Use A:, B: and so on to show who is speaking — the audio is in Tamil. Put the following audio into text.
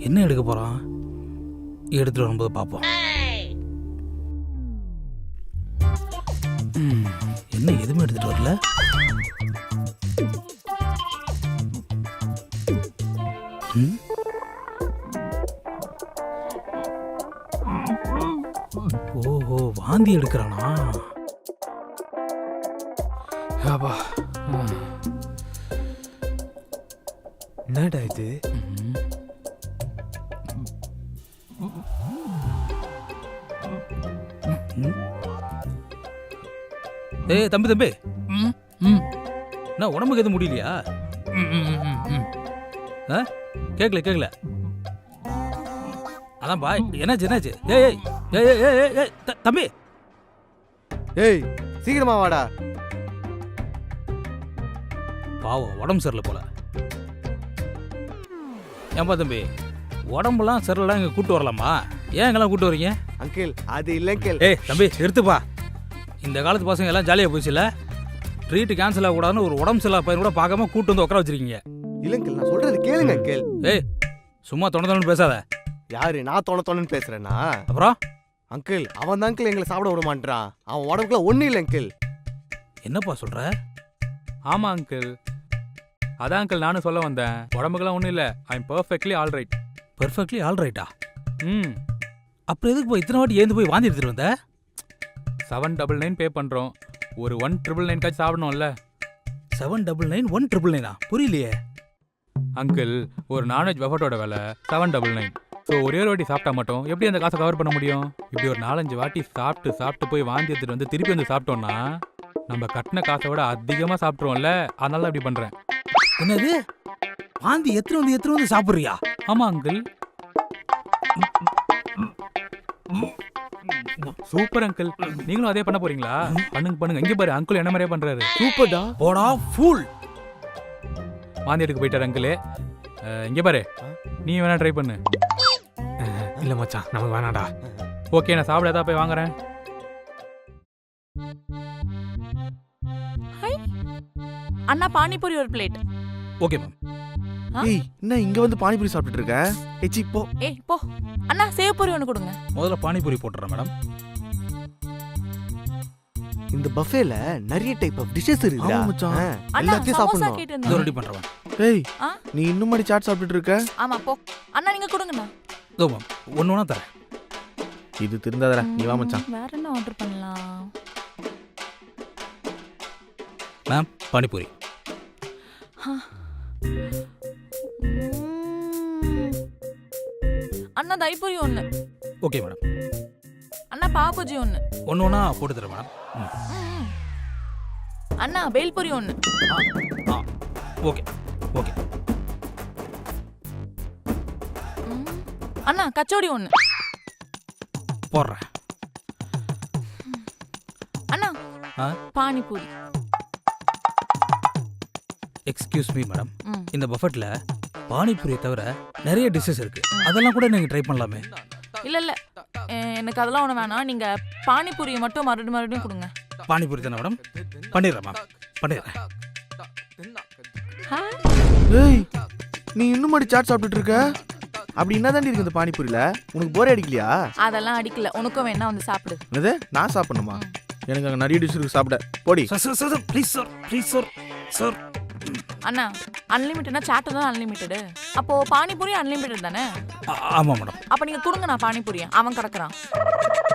A: என்ன எடுக்க போகிறான்? எடுத்துகிட்டு வரும்போது பார்ப்போம். என்ன எதுவுமே எடுத்துகிட்டு வரல? ஓஹோ, வாந்தி எடுக்கிறானா?
B: ஆபா, என்னடா இது?
A: ஏய் தம்பி தம்பி, என்ன உடம்புக்கு எதுவும் முடியலையா? கேட்கல. அதான் பாய், என்னாச்சு? ஏய் தம்பி,
C: ஏய் சீக்கிரமா வாடா.
A: பாவம் உடம்பு சரியில்லை போல. ஏன்பா தம்பி, உடம்புலாம் சரியில்லாம் இங்கே கூட்டு வரலாமா? ஏன் இங்கெல்லாம் கூட்டு வரீங்க?
C: அங்கிள் அது இல்லை அங்கிள்.
A: ஏய் தம்பி எடுத்துப்பா. இந்த காலத்து பசங்க எல்லாம் ஜாலியாக போச்சுல. ட்ரீட் கேன்சல் ஆகக்கூடாதுன்னு ஒரு உடம்பு சரியில்லா பையன் கூட பார்க்காம கூட்டு வந்து உட்கார வச்சிருக்கீங்க.
C: இல்லை அங்கிள், நான் சொல்றது கேளுங்க அங்கிள்.
A: ஏய் சும்மா தொண பேசாத.
C: யாரு நான் தொணன்னு பேசுறேன்னா?
A: அப்புறம்
C: அங்கிள் அவன் தான் அங்கிள் எங்களை சாப்பிட விட மாட்டான். அவன் உடம்புக்குள்ள ஒன்றும் இல்லை அங்கிள்.
A: என்னப்பா சொல்ற?
B: ஆமா அங்கிள், அதான் அங்கிள் நானும் சொல்ல வந்தேன். உடம்புக்கெல்லாம் ஒன்றும் இல்லை. I am perfectly all right.
A: Perfectly all ரைட்டா? அப்புறம் எதுக்கு போய் இத்தனை வாட்டி ஏந்து போய் வாந்தி எடுத்துட்டு வந்த?
B: 799 பே பண்ணுறோம். ஒரு 1999 காய்ச்சி சாப்பிடணும்ல.
A: 799 1999 புரியலையே.
B: அங்கிள், ஒரு நான்வெஜ் பஃபட்டோட விலை 799. ஸோ ஒரே ஒரு வாட்டி சாப்பிட்டா மட்டும் எப்படி அந்த காசை கவர் பண்ண முடியும்? இப்படி ஒரு 4-5 வாட்டி சாப்பிட்டு போய் வாந்தி எடுத்துட்டு வந்து திருப்பி வந்து சாப்பிட்டோம்னா நம்ம கட்டின காசை விட அதிகமாக சாப்பிட்ருவோம்ல. அதனால தான் இப்படி பண்ணுறேன்.
A: என்னது, வாந்தி எத்தனை வந்து சாப்பிட்றியா?
B: ஆமாம் அங்கிள். சூப்பர் அங்கிள், நீங்களும் அதே பண்ண போறீங்களா? பண்ணுங்க. இங்க பாரு, அங்கிள் என்ன மாதிரியே பண்றாரு.
C: சூப்பர்டா.
A: போடா ஃபூல்.
B: வாந்தி எடுக்க போயிட்டாரு அங்கிள். இங்க பாரு, நீ வேணா ட்ரை பண்ணு.
D: இல்ல மச்சான், நமக்கு வேணாடா.
B: ஓகே, நான் சாப்பிட ஏதாவது போய் வாங்குறேன்.
E: அண்ணா பானிபூரி ஒரு பிளேட்.
A: Okay ma'am.
C: ஏய் என்ன இங்க வந்து பானிபூரி சாப்பிட்டுட்டு இருக்க? ஏச்சி போ.
E: ஏய் போ. அண்ணா சேவ் பூரி ஒன்று கொடுங்க.
A: முதல்ல பானிபூரி போட்டுறேன் மேடம்.
C: இந்த பஃபேல நிறைய டைப் ஆஃப் டிஷஸ் இருக்குடா.
D: ஆமா மச்சான்.
E: அண்ணா
C: எல்லாத்தையும்
E: சமோசா
C: சாப்பிடணும்.
E: கேட்டு
A: இதோ
E: இருந்தேன்.
A: ரெடி பண்றேன்.
C: ஏய்
E: ஆ?
C: நீ இன்னும் மாதிரி சாட் சாப்பிட்டுட்டு இருக்க?
E: ஆமா போ. அண்ணா நீங்க கொடுங்கண்ணா.
A: இதோ மேம், ஒன்று தரேன்.
C: இது திருந்தாதடா, நீ வா மச்சான்.
E: வேற என்ன ஆர்டர் பண்ணலாம்?
A: மேம் பானிபூரி.
E: அண்ணா தைப்பூரி ஒன்று.
A: Okay madam.
E: அண்ணா பாவபஜி ஒன்று.
A: ஒன்று போட்டு தரேன் மேடம்.
E: அண்ணா பேல்பூரி ஒன்று.
A: ஓகே.
E: அண்ணா கச்சோடி ஒன்று.
A: போடுறேன்.
E: அண்ணா பானிபூரி.
A: எக்ஸ்கியூஸ் மீ மேடம், இந்த பஃபெட்ல பானிபூரியை தவிர நிறைய டிஷ்ஷஸ் இருக்கு. அதெல்லாம் கூட நீங்க ட்ரை பண்ணலாமே.
E: இல்ல எனக்கு அதெல்லாம் ஒன்று வேணாம். நீங்க பானிபூரியை மட்டும் மறுபடியும் கொடுங்க.
A: பானிபூரி தானே மேடம்? பண்ணிடுறேன் மேம், பண்ணிடுறேன்.
C: ஏய் நீ இன்னும் மாதிரி சாட் சாப்பிட்டுட்டு இருக்க? அப்படி என்ன தாண்டி இருக்கு இந்த பானிபூரியில? உனக்கு போரே அடிக்கலையா?
E: அதெல்லாம் அடிக்கல. உனக்கும் வேணா வந்து சாப்பிடு.
C: என்னது, நான் சாப்பிடணுமா? எனக்கு அங்கே நிறைய டிஷ் இருக்கு சாப்பிட. போடி.
A: Sir please sir.
E: அண்ணா அன்லிமிட்டட்னா சாட் தான் அன்லிமிட்டடு. அப்போ பானிபூரி அன்லிமிட்டட் தானே?
A: ஆமாம் மேடம்.
E: அப்போ நீங்கள் கொடுங்க, நான் பானிபூரியை அவன் கிடக்குறான்.